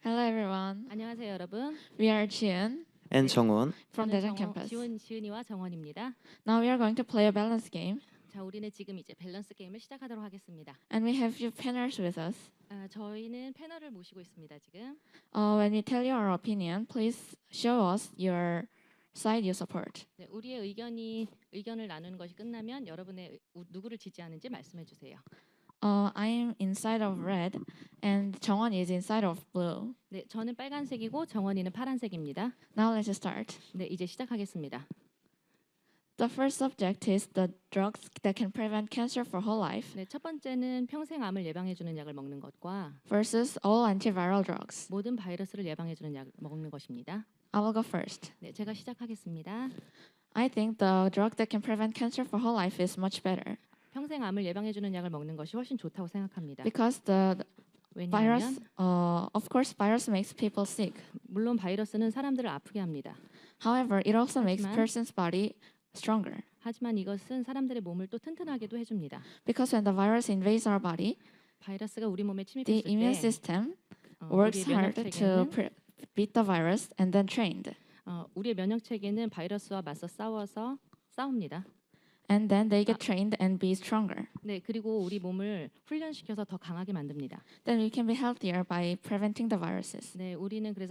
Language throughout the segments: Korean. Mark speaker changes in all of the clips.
Speaker 1: Hello everyone.
Speaker 2: 안녕하세요, 여러분.
Speaker 1: We are Jian
Speaker 3: and 정원.
Speaker 1: from
Speaker 2: 저는
Speaker 1: Daejeon campus.
Speaker 2: 지은이와 정원입니다.
Speaker 1: Now we are going to play a balance game,
Speaker 2: 자, 우리는 지금 이제 밸런스 게임을 시작하도록 하겠습니다.
Speaker 1: and we have few panelists with us.
Speaker 2: 저희는 패널을 모시고 있습니다, 지금.
Speaker 1: When we tell you our opinion, please show us your side you support.
Speaker 2: 네, 우리의 의견을 나누는 것이 끝나면 여러분의 누구를 지지하는지 말씀해 주세요.
Speaker 1: I'm inside of red, and 정원 is inside of blue.
Speaker 2: 네, 저는 빨간색이고 정원이는 파란색입니다.
Speaker 1: Now let's start.
Speaker 2: 네, 이제 시작하겠습니다.
Speaker 1: The first subject is the drugs that can prevent cancer for whole life
Speaker 2: 네, 첫 번째는 평생 암을 예방해 주는 약을 먹는 것과
Speaker 1: versus all antiviral drugs.
Speaker 2: 모든 바이러스를 예방해 주는 약을 먹는 것입니다.
Speaker 1: I will go first.
Speaker 2: 네, 제가 시작하겠습니다.
Speaker 1: I think the drug that can prevent cancer for whole life is much better
Speaker 2: 평생 암을 예방해 주는 약을 먹는 것이 훨씬 좋다고 생각합니다.
Speaker 1: because the
Speaker 2: 왜냐하면
Speaker 1: virus, of course, virus makes people sick.
Speaker 2: 물론 바이러스는 사람들을 아프게 합니다.
Speaker 1: However, it also makes
Speaker 2: 하지만-
Speaker 1: person's body stronger
Speaker 2: 하지만 이것은 사람들의 몸을 또 튼튼하게도 해줍니다.
Speaker 1: because when the virus invades our body,
Speaker 2: 바이러스가 우리 몸에
Speaker 1: the
Speaker 2: 침입했을
Speaker 1: immune
Speaker 2: 때
Speaker 1: system
Speaker 2: 우리의
Speaker 1: works
Speaker 2: 면역
Speaker 1: hard to
Speaker 2: 체계는
Speaker 1: beat the virus and then trained.
Speaker 2: 우리의 면역 체계는 바이러스와 맞서 싸워서 싸웁니다.
Speaker 1: And then they get trained and be stronger.
Speaker 2: 네, 그리고 우리 몸을 훈련시켜서 더 강하게 만듭니다.
Speaker 1: Then we can be healthier by preventing the viruses.
Speaker 2: 네, 우리는 그래서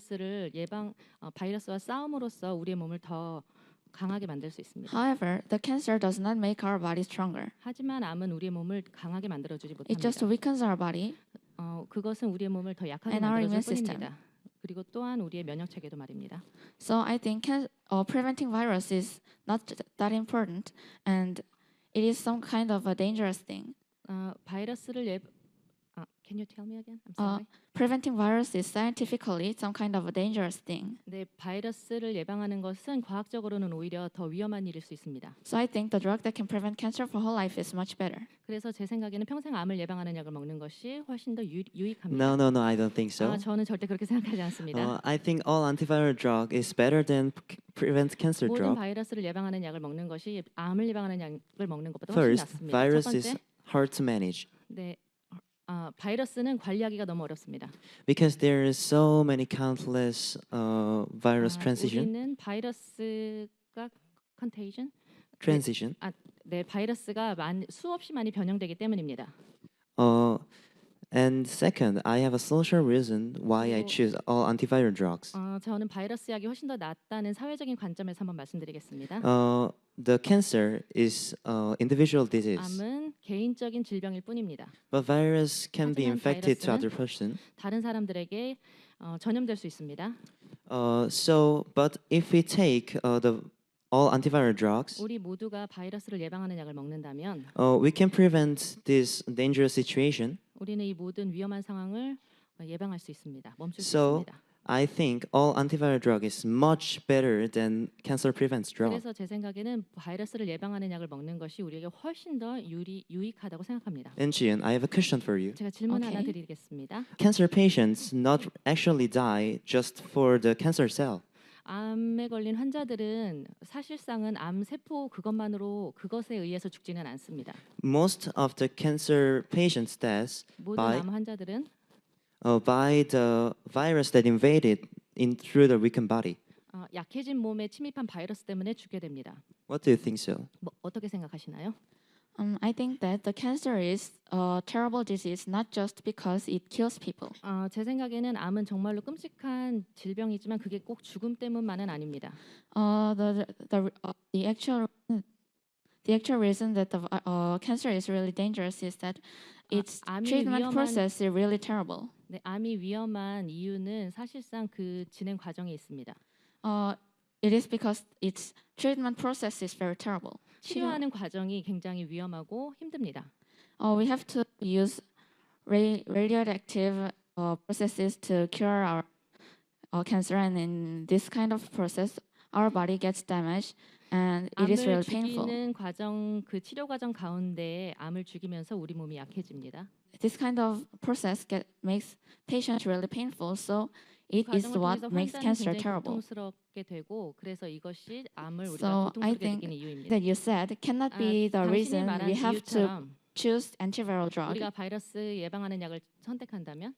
Speaker 2: 바이러스와 싸움으로써 우리의 몸을 더 강하게 만들 수 있습니다.
Speaker 1: However, the cancer does not make our body stronger.
Speaker 2: 하지만 암은 우리의 몸을 강하게 만들어주지
Speaker 1: It just
Speaker 2: 못합니다.
Speaker 1: weakens our body
Speaker 2: 그것은 우리의 몸을 더 약하게
Speaker 1: And our
Speaker 2: 만들어줄
Speaker 1: immune
Speaker 2: 뿐입니다. 그리고 또한 우리의 면역 체계도 말입니다.
Speaker 1: So I think preventing virus is not that important, and it is some kind of a dangerous thing.
Speaker 2: 바이러스를 Can you tell me again? I'm sorry.
Speaker 1: Preventing virus is scientifically some kind of a dangerous thing.
Speaker 2: 네, 바이러스를 예방하는 것은 과학적으로는 오히려 더 위험한 일일 수 있습니다.
Speaker 1: So I think the drug that can prevent cancer for whole life is much better.
Speaker 2: 그래서 제 생각에는 평생 암을 예방하는 약을 먹는 것이 훨씬 더 유익합니다.
Speaker 3: No, I don't think so.
Speaker 2: 저는 절대 그렇게 생각하지 않습니다.
Speaker 3: I think all antiviral drug is better than prevent cancer
Speaker 2: 모든
Speaker 3: drug.
Speaker 2: 바이러스를 예방하는 약을 먹는 것이 암을 예방하는 약을 먹는 것보다 훨씬
Speaker 3: First,
Speaker 2: 낫습니다. 첫
Speaker 3: virus
Speaker 2: 번째,
Speaker 3: is hard to manage
Speaker 2: 네, 바이러스는 관리하기가 너무 어렵습니다.
Speaker 3: because there is so many countless virus transition.
Speaker 2: 우리는 바이러스가 contagion,
Speaker 3: Transition.
Speaker 2: 네, 바이러스가 수없이 많이 변형되기 때문입니다.
Speaker 3: And second, I have a social reason why I
Speaker 2: 그리고-
Speaker 3: choose all antiviral drugs.
Speaker 2: 저는 바이러스 약이 훨씬 더 낫다는 사회적인 관점에서 한번 말씀드리겠습니다.
Speaker 3: The cancer is individual disease,
Speaker 2: 암은 개인적인 질병일 뿐입니다.
Speaker 3: but virus can be
Speaker 2: 하지만
Speaker 3: infected to
Speaker 2: 바이러스는-
Speaker 3: other person.
Speaker 2: 다른 사람들에게 전염될 수 있습니다.
Speaker 3: But if we take the all antiviral drugs,
Speaker 2: 우리 모두가 바이러스를 예방하는 약을 먹는다면
Speaker 3: we can prevent this dangerous situation.
Speaker 2: 우리는 이 모든 위험한 상황을 예방할 수 있습니다. 멈출 수
Speaker 3: So,
Speaker 2: 있습니다.
Speaker 3: I think all antiviral drug is much better than cancer prevents drug.
Speaker 2: 그래서 제 생각에는 바이러스를 예방하는 약을 먹는 것이 우리에게 훨씬 더 유익하다고 생각합니다.
Speaker 3: And Jian, I have a question for you.
Speaker 2: 제가 질문 하나
Speaker 1: Okay.
Speaker 2: 드리겠습니다.
Speaker 3: Cancer patients not actually die just for the cancer cell.
Speaker 2: 암에 걸린 환자들은 사실상은 암 세포 그것에 의해서 죽지는 않습니다.
Speaker 3: Most of the cancer patients deaths
Speaker 2: 모든
Speaker 3: by
Speaker 2: 암 환자들은
Speaker 3: by the virus that invaded in through the weakened body.
Speaker 2: 약해진 몸에 침입한 바이러스 때문에 죽게 됩니다.
Speaker 3: What do you think so?
Speaker 2: 어떻게 생각하시나요?
Speaker 1: I think that the cancer is a terrible disease not just because it kills people.
Speaker 2: 제 생각에는 암은 정말로 끔찍한 질병이지만 그게 꼭 죽음 때문만은 아닙니다.
Speaker 1: The actual reason that the cancer is really dangerous is that its
Speaker 2: 암이
Speaker 1: treatment
Speaker 2: 위험한-
Speaker 1: process is really terrible.
Speaker 2: 네, 암이 위험한 이유는 사실상 그 진행 과정에 있습니다.
Speaker 1: It is because its treatment process is very terrible.
Speaker 2: 치료하는 과정이 굉장히 위험하고 힘듭니다.
Speaker 1: We have to use radioactive processes to cure our cancer, and in this kind of process, our body gets damaged, and it is
Speaker 2: 암을
Speaker 1: really painful.
Speaker 2: 죽이는 과정, 그 치료 과정 가운데 암을 죽이면서 우리 몸이 약해집니다.
Speaker 1: This kind of process makes patients really painful, so it is
Speaker 2: 과정을
Speaker 1: what
Speaker 2: 통해서
Speaker 1: makes
Speaker 2: 환자는
Speaker 1: cancer
Speaker 2: 굉장히
Speaker 1: terrible.
Speaker 2: 고통스럽게 되고 그래서 이것이 암을 우리가
Speaker 1: So I
Speaker 2: 고통스럽게
Speaker 1: think
Speaker 2: 느끼는 이유입니다.
Speaker 1: That you said cannot be the
Speaker 2: 당신이
Speaker 1: reason
Speaker 2: 말한
Speaker 1: we have to
Speaker 2: 이유처럼
Speaker 1: choose antiviral drug.
Speaker 2: 우리가 바이러스 예방하는 약을 선택한다면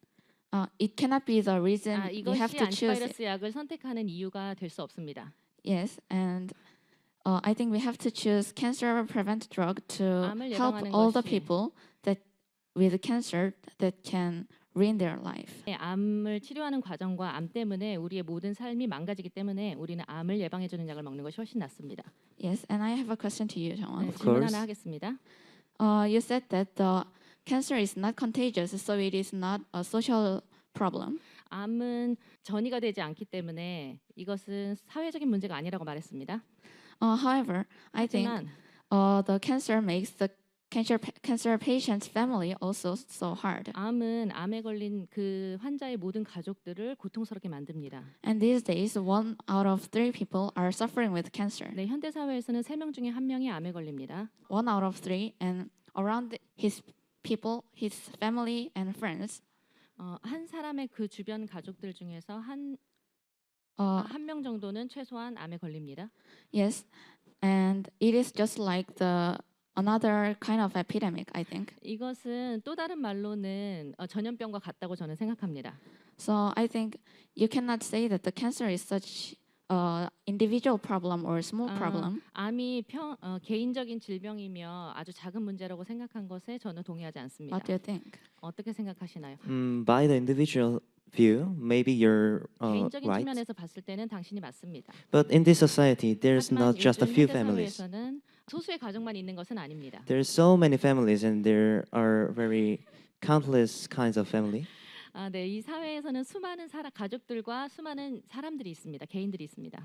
Speaker 1: it cannot be the reason you
Speaker 2: 이것이
Speaker 1: have to choose it.
Speaker 2: 안티바이러스 약을 선택하는 이유가 될 수 없습니다.
Speaker 1: Yes, and I think we have to choose cancer prevent drug to
Speaker 2: 암을
Speaker 1: help
Speaker 2: 예방하는
Speaker 1: all the
Speaker 2: 것이-
Speaker 1: people that with cancer that can ruin their life.
Speaker 2: 암을 치료하는 과정과 암 때문에 우리의 모든 삶이 망가지기 때문에 우리는 암을 예방해주는 약을 먹는 것이 훨씬 낫습니다.
Speaker 1: Yes, and I have a question to you,
Speaker 2: 네,
Speaker 1: Jongwon.
Speaker 2: 질문
Speaker 3: course.
Speaker 2: 하나 하겠습니다.
Speaker 1: You said that the cancer is not contagious, so it is not a social problem.
Speaker 2: 암은 전이가 되지 않기 때문에 이것은 사회적인 문제가 아니라고 말했습니다.
Speaker 1: However, I think
Speaker 2: 하지만
Speaker 1: the cancer makes the cancer patient's family also so hard.
Speaker 2: 암은 암에 걸린 그 환자의 모든 가족들을 고통스럽게 만듭니다.
Speaker 1: And these days, 1 out of 3 people are suffering with cancer.
Speaker 2: 네, 현대 사회에서는 3명 중에 1명이 암에 걸립니다.
Speaker 1: 1 out of 3, and around his people, his family and friends,
Speaker 2: 한 사람의 그 주변 가족들 중에서 한 명 정도는 최소한 암에 걸립니다.
Speaker 1: yes, and it is just like the another kind of epidemic, I think.
Speaker 2: 이것은 또 다른 말로는 전염병과 같다고 저는 생각합니다.
Speaker 1: So I think you cannot say that the cancer is such individual problem or small problem.
Speaker 2: 암이 개인적인 질병이며 아주 작은 문제라고 생각한 것에 저는 동의하지 않습니다.
Speaker 1: What do you think?
Speaker 2: 어떻게 생각하시나요?
Speaker 3: By the individual view, maybe you're
Speaker 2: 개인적인
Speaker 3: right.
Speaker 2: 측면에서 봤을 때는 당신이 맞습니다.
Speaker 3: But in this society, there's
Speaker 2: 하지만
Speaker 3: not just a
Speaker 2: 요즘
Speaker 3: few
Speaker 2: 현대
Speaker 3: families.
Speaker 2: 사회에서는 소수의 가족만 있는 것은 아닙니다.
Speaker 3: There's so many families, and there are very countless kinds of family.
Speaker 2: 네, 이 사회에서는 수많은 가족들과 수많은 사람들이 있습니다. 개인들이 있습니다.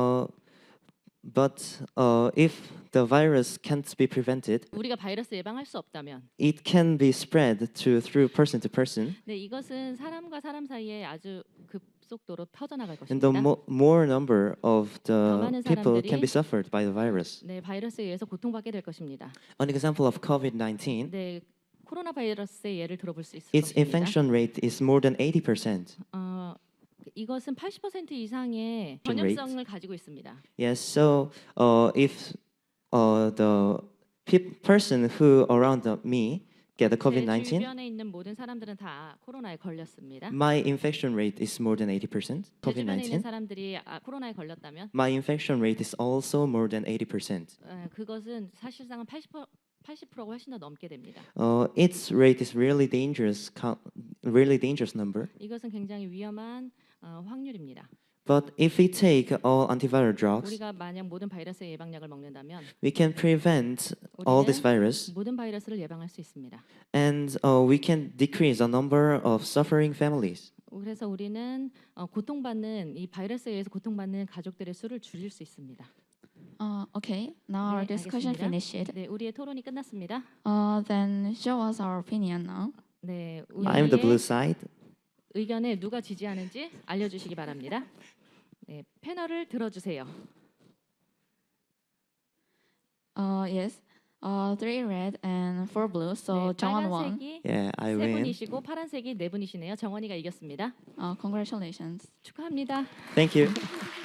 Speaker 3: But if the virus can't be prevented,
Speaker 2: 우리가 바이러스 예방할 수 없다면,
Speaker 3: it can be spread through person to person.
Speaker 2: 네, 이것은 사람과 사람 사이에 아주 급속도로 퍼져나갈
Speaker 3: And the
Speaker 2: 것입니다.
Speaker 3: more number of the
Speaker 2: 많은
Speaker 3: people
Speaker 2: 사람들이-
Speaker 3: can be suffered by the virus.
Speaker 2: 네, 바이러스에 의해서 고통받게 될 것입니다.
Speaker 3: An example of COVID-19,
Speaker 2: 네, 코로나 바이러스의 예를 들어볼 수 있을
Speaker 3: its
Speaker 2: 것입니다.
Speaker 3: infection rate is more than 80%.
Speaker 2: 이것은 80% 이상의
Speaker 3: rate.
Speaker 2: 전염성을 가지고 있습니다.
Speaker 3: Yes, so if the person who around me get the
Speaker 2: 제
Speaker 3: COVID-19,
Speaker 2: 주변에 있는 모든 사람들은 다 코로나에 걸렸습니다.
Speaker 3: my infection rate is more than 80%.
Speaker 2: 제 주변에 있는
Speaker 3: COVID-19,
Speaker 2: 사람들이 코로나에 걸렸다면
Speaker 3: my infection rate is also more than 80%.
Speaker 2: 그것은 사실상은 80%가 훨씬 더 넘게 됩니다.
Speaker 3: Its rate is really dangerous number.
Speaker 2: 이것은 굉장히 위험한 확률입니다.
Speaker 3: But if we take all antiviral drugs,
Speaker 2: 우리가 만약 모든 바이러스의 예방약을 먹는다면
Speaker 3: we can prevent all this
Speaker 2: 우리는
Speaker 3: virus,
Speaker 2: 모든 바이러스를 예방할 수 있습니다.
Speaker 3: and we can decrease the number of suffering families.
Speaker 2: 그래서 우리는 고통받는 이 바이러스에 의해서 고통받는 가족들의 수를 줄일 수 있습니다.
Speaker 1: Okay, now our
Speaker 2: 네,
Speaker 1: discussion
Speaker 2: 알겠습니다.
Speaker 1: finished.
Speaker 2: 네, 우리의 토론이 끝났습니다.
Speaker 1: Then show us our opinion now.
Speaker 2: 네,
Speaker 3: I'm the blue
Speaker 2: 우리의
Speaker 3: side.
Speaker 2: 의견에 누가 지지하는지 알려주시기 바랍니다. 네, 패널을 들어주세요.
Speaker 1: Yes, 3 red and 4 blue. So
Speaker 2: 네,
Speaker 1: Jongwon won.
Speaker 2: 빨간색이
Speaker 3: Yeah, I
Speaker 2: 세
Speaker 3: win.
Speaker 2: 분이시고 파란색이 네 분이시네요. 정원이가 이겼습니다.
Speaker 1: Congratulations.
Speaker 2: 축하합니다.
Speaker 3: Thank you.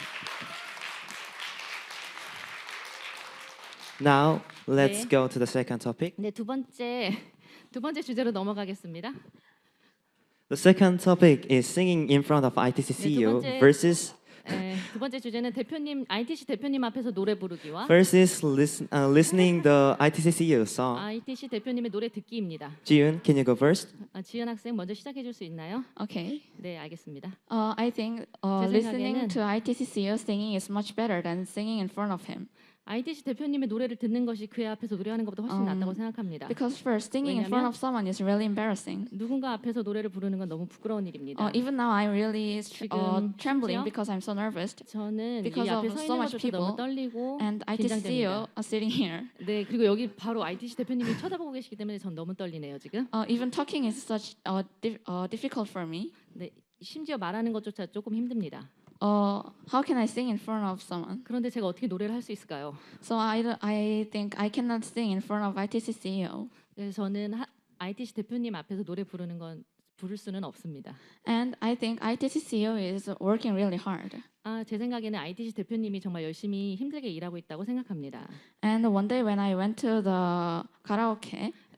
Speaker 3: Now let's
Speaker 2: 네.
Speaker 3: go to the second topic.
Speaker 2: 네, 두 번째 주제로 넘어가겠습니다.
Speaker 3: The second topic is singing in front of ITC CEO
Speaker 2: 번째-
Speaker 3: versus
Speaker 2: 두 번째 주제는 ITC 대표님 앞에서 노래 부르기와
Speaker 3: listening the ITC CEO song.
Speaker 2: ITC 대표님의 노래 듣기입니다.
Speaker 3: Jiyoon, can you go first?
Speaker 2: 지연 학생 먼저 시작해 줄 수 있나요?
Speaker 1: Okay.
Speaker 2: 네, 알겠습니다.
Speaker 1: I think
Speaker 2: 제
Speaker 1: listening
Speaker 2: 생각에는-
Speaker 1: to ITC CEO singing is much better than singing in front of him.
Speaker 2: ITC 대표님의 노래를 듣는 것이 그의 앞에서 노래하는 것보다 훨씬 낫다고 생각합니다.
Speaker 1: Because first, singing in front
Speaker 2: 왜냐면-
Speaker 1: of someone is really embarrassing.
Speaker 2: 누군가 앞에서 노래를 부르는 건 너무 부끄러운 일입니다.
Speaker 1: Even now, I'm really
Speaker 2: 지금
Speaker 1: trembling
Speaker 2: 심지어-
Speaker 1: because I'm so nervous.
Speaker 2: 저는 이
Speaker 1: because
Speaker 2: 앞에
Speaker 1: of
Speaker 2: 서
Speaker 1: so
Speaker 2: 있는
Speaker 1: much
Speaker 2: 것조차
Speaker 1: people
Speaker 2: 너무 떨리고
Speaker 1: And ITC CEO
Speaker 2: 긴장됩니다.
Speaker 1: are sitting here.
Speaker 2: 네, 그리고 여기 바로 ITC 대표님이 쳐다보고 계시기 때문에 전 너무 떨리네요 지금.
Speaker 1: Even talking is such difficult for me.
Speaker 2: 네, 심지어 말하는 것조차 조금 힘듭니다.
Speaker 1: How can I sing in front of someone?
Speaker 2: 그런데 제가 어떻게 노래를 할 수 있을까요?
Speaker 1: So I think I cannot sing in front of ITC CEO.
Speaker 2: 그래서 저는 ITC 대표님 앞에서 노래 부를 수는 없습니다.
Speaker 1: And I think ITC CEO is working really hard.
Speaker 2: 제 생각에는 ITC 대표님이 정말 열심히 힘들게 일하고 있다고 생각합니다.
Speaker 1: And one day when I went to the karaoke,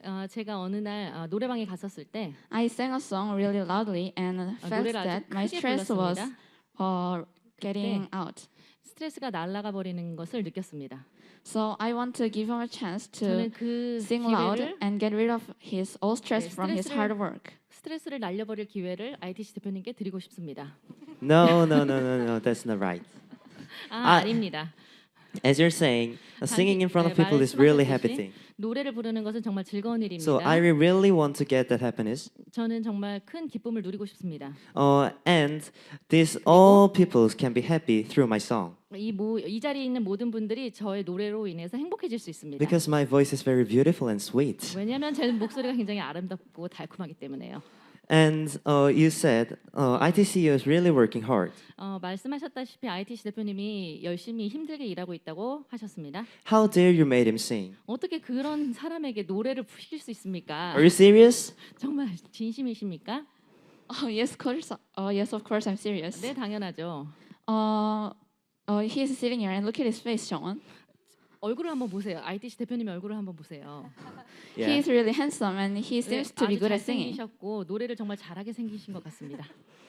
Speaker 2: 제가 어느 날 노래방에 갔었을 때
Speaker 1: I sang a song really loudly and felt
Speaker 2: 노래를 아주
Speaker 1: that my
Speaker 2: 크게
Speaker 1: stress was
Speaker 2: 불렀습니다.
Speaker 1: getting out.
Speaker 2: 스트레스가 날아가 버리는 것을 느꼈습니다.
Speaker 1: So I want to give him a chance to
Speaker 2: 저는 그
Speaker 1: sing loud
Speaker 2: 기회를
Speaker 1: and get rid of his all stress
Speaker 2: 네,
Speaker 1: from his
Speaker 2: 스트레스를-
Speaker 1: hard work.
Speaker 2: 스트레스를 날려버릴 기회를 ITC 대표님께 드리고 싶습니다.
Speaker 3: No, no, no, no, no. That's not right.
Speaker 2: 아닙니다.
Speaker 3: As you're saying, singing in front of
Speaker 2: 네,
Speaker 3: people is really happy
Speaker 2: 말씀하셨듯이
Speaker 3: thing.
Speaker 2: 노래를 부르는 것은 정말 즐거운 일입니다.
Speaker 3: So I really want to get that happiness.
Speaker 2: 저는 정말 큰 기쁨을 누리고 싶습니다.
Speaker 3: And this all people can be happy through my song
Speaker 2: 이 자리에 있는 모든 분들이 저의 노래로 인해서 행복해질 수 있습니다.
Speaker 3: because my voice is very beautiful and sweet.
Speaker 2: 왜냐하면 제 목소리가 굉장히 아름답고 달콤하기 때문에요.
Speaker 3: And you said ITCU is really working hard.
Speaker 2: 말씀하셨다시피 ITC 대표님이 열심히 힘들게 일하고 있다고 하셨습니다.
Speaker 3: How dare you made him sing?
Speaker 2: 어떻게 그런 사람에게 노래를 부실 수 있습니까?
Speaker 3: Are you serious?
Speaker 2: 정말 진심이십니까?
Speaker 1: Oh yes, yes, of course, I'm serious.
Speaker 2: 네, 당연하죠.
Speaker 1: He is sitting here and look at his face, Sean.
Speaker 2: 얼굴을 한번 보세요. ITC 대표님의 얼굴을 한번 보세요.
Speaker 1: He
Speaker 3: Yeah.
Speaker 1: is really handsome and he
Speaker 2: 네,
Speaker 1: seems to be
Speaker 2: 아주
Speaker 1: good at singing.
Speaker 2: 잘생기셨고 노래를 정말 잘하게 생기신 것 같습니다.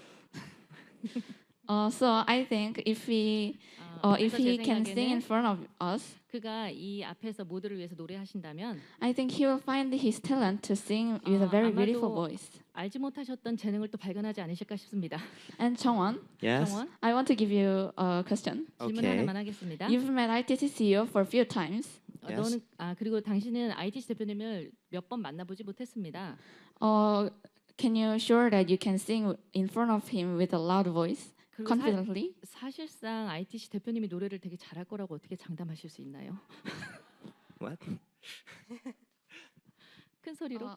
Speaker 1: So I think if
Speaker 2: 그래서 제
Speaker 1: he can sing in
Speaker 2: 생각에는
Speaker 1: front of us,
Speaker 2: 그가 이 앞에서 모두를 위해서 노래하신다면
Speaker 1: I think he will find his talent to sing with a very beautiful
Speaker 2: 아마도
Speaker 1: voice.
Speaker 2: 알지 못하셨던 재능을 또 발견하지 않으실까 싶습니다.
Speaker 1: And Chongwon,
Speaker 3: Yes.
Speaker 2: 정원
Speaker 1: I want to give you a question.
Speaker 2: 질문
Speaker 3: Okay.
Speaker 2: 하나만 하겠습니다.
Speaker 1: You've met ITC CEO for a few times.
Speaker 3: Yes.
Speaker 2: 너는 그리고 당신은 ITC 대표님을 몇 번 만나보지 못했습니다.
Speaker 1: Can you sure that you can sing in front of him with a loud voice,
Speaker 2: 그리고
Speaker 1: confidently?
Speaker 2: 사실상 ITC 대표님이 노래를 되게 잘할 거라고 어떻게 장담하실 수 있나요?
Speaker 3: What?
Speaker 2: 큰 소리로.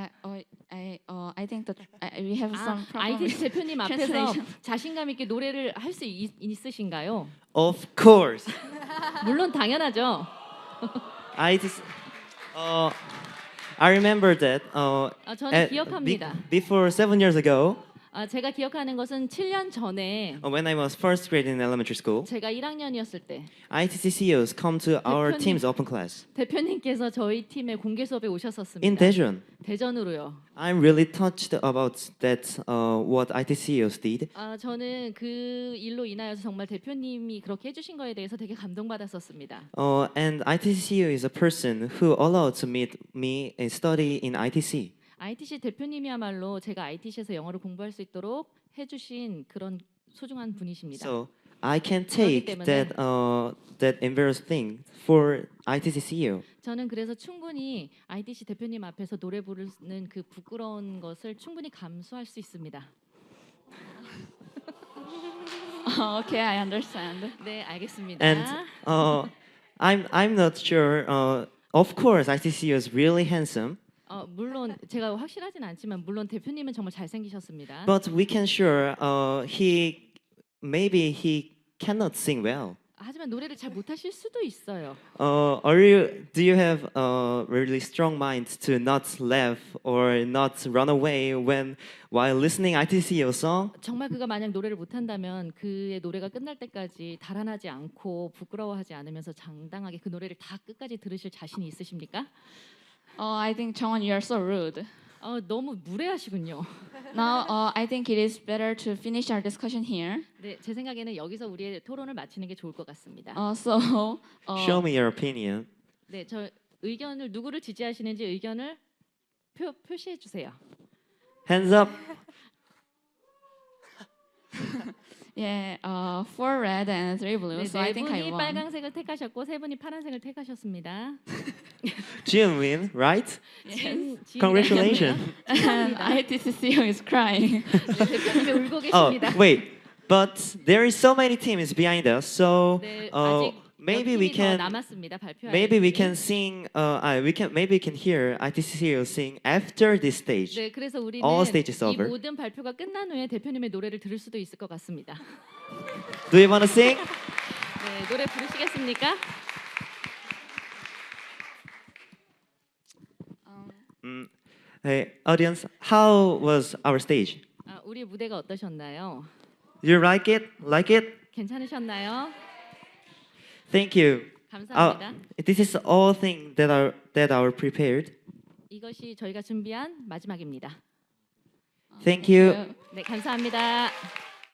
Speaker 1: I think that we have some problem.
Speaker 2: ITC 대표님 앞에서
Speaker 1: translation.
Speaker 2: 자신감 있게 노래를 할 수 있으신가요?
Speaker 3: Of course.
Speaker 2: 물론 당연하죠.
Speaker 3: ITC. I remember that.
Speaker 2: 저는 기억합니다.
Speaker 3: Before 7 years ago,
Speaker 2: 제가 기억하는 것은 7년 전에
Speaker 3: when I was first grade in elementary school,
Speaker 2: 제가 1학년이었을 때
Speaker 3: ITC CEOs come to our
Speaker 2: 대표님.
Speaker 3: team's open class
Speaker 2: 대표님께서 저희 팀의 공개 수업에 오셨었습니다.
Speaker 3: in Daejeon.
Speaker 2: 대전으로요.
Speaker 3: I'm really touched about that. What ITC CEOs did.
Speaker 2: 저는 그 일로 인하여서 정말 대표님이 그렇게 해주신 거에 대해서 되게 감동받았었습니다.
Speaker 3: And ITC CEO is a person who allowed to meet me and study in ITC.
Speaker 2: ITC 대표님이야말로 제가 ITC에서 영어를 공부할 수 있도록 해주신 그런 소중한 분이십니다.
Speaker 3: So I can take
Speaker 2: 때문에-
Speaker 3: that embarrassing thing for ITC CEO.
Speaker 2: 저는 그래서 충분히 ITC 대표님 앞에서 노래 부르는 그 부끄러운 것을 충분히 감수할 수 있습니다.
Speaker 1: Okay, I understand.
Speaker 2: 네, 알겠습니다.
Speaker 3: And I'm not sure. Of course, ITC CEO is really handsome,
Speaker 2: 물론 제가 확실하진 않지만 물론 대표님은 정말 잘생기셨습니다.
Speaker 3: but we can sure maybe he cannot sing well.
Speaker 2: 하지만 노래를 잘 못하실 수도 있어요.
Speaker 3: Do you have a really strong mind to not laugh or not run away while listening ITC CEO song?
Speaker 2: 정말 그가 만약 노래를 못한다면 그의 노래가 끝날 때까지 달아나지 않고 부끄러워하지 않으면서 장당하게 그 노래를 다 끝까지 들으실 자신이 있으십니까?
Speaker 1: I think Chongwon, you are so rude.
Speaker 2: 너무 무례하시군요.
Speaker 1: Now, I think it is better to finish our discussion here.
Speaker 2: 네, 제 생각에는 여기서 우리의 토론을 마치는 게 좋을 것 같습니다.
Speaker 1: So,
Speaker 3: Show me your opinion.
Speaker 2: 네, 저 의견을 누구를 지지하시는지 의견을 표시해 주세요.
Speaker 3: Hands up.
Speaker 1: yeah, 4 red and 3 blue.
Speaker 2: 네,
Speaker 1: So I
Speaker 2: 네
Speaker 1: think I
Speaker 2: 분이
Speaker 1: won.
Speaker 2: 빨강색을 택하셨고 세 분이 파란색을 택하셨습니다.
Speaker 3: Jin win, right?
Speaker 2: 지은이
Speaker 3: Congratulations.
Speaker 1: And ITC CEO is crying.
Speaker 2: 네, 대표님이 울고
Speaker 3: Oh,
Speaker 2: 계십니다.
Speaker 3: wait. But there is so many teams behind us. So
Speaker 2: 네, 아직
Speaker 3: maybe
Speaker 2: 몇
Speaker 3: we
Speaker 2: 팀이 더
Speaker 3: can
Speaker 2: 남았습니다. 발표할
Speaker 3: maybe we
Speaker 2: 팀이.
Speaker 3: can sing maybe we can hear ITC CEO sing after this stage.
Speaker 2: 네, 그래서 우리는
Speaker 3: All stages
Speaker 2: 이
Speaker 3: over.
Speaker 2: 모든 발표가 끝난 후에 대표님의 노래를 들을 수도 있을 것 같습니다.
Speaker 3: Do you want to sing?
Speaker 2: 네, 노래 부르시겠습니까?
Speaker 3: Hey, audience, how was our stage?
Speaker 2: 우리 무대가 어떠셨나요?
Speaker 3: You like it? Like it?
Speaker 2: 괜찮으셨나요?
Speaker 3: Thank you.
Speaker 2: 감사합니다.
Speaker 3: This is all thing that are prepared.
Speaker 2: 이것이 저희가 준비한 마지막입니다.
Speaker 3: Thank you.
Speaker 2: 네, 감사합니다.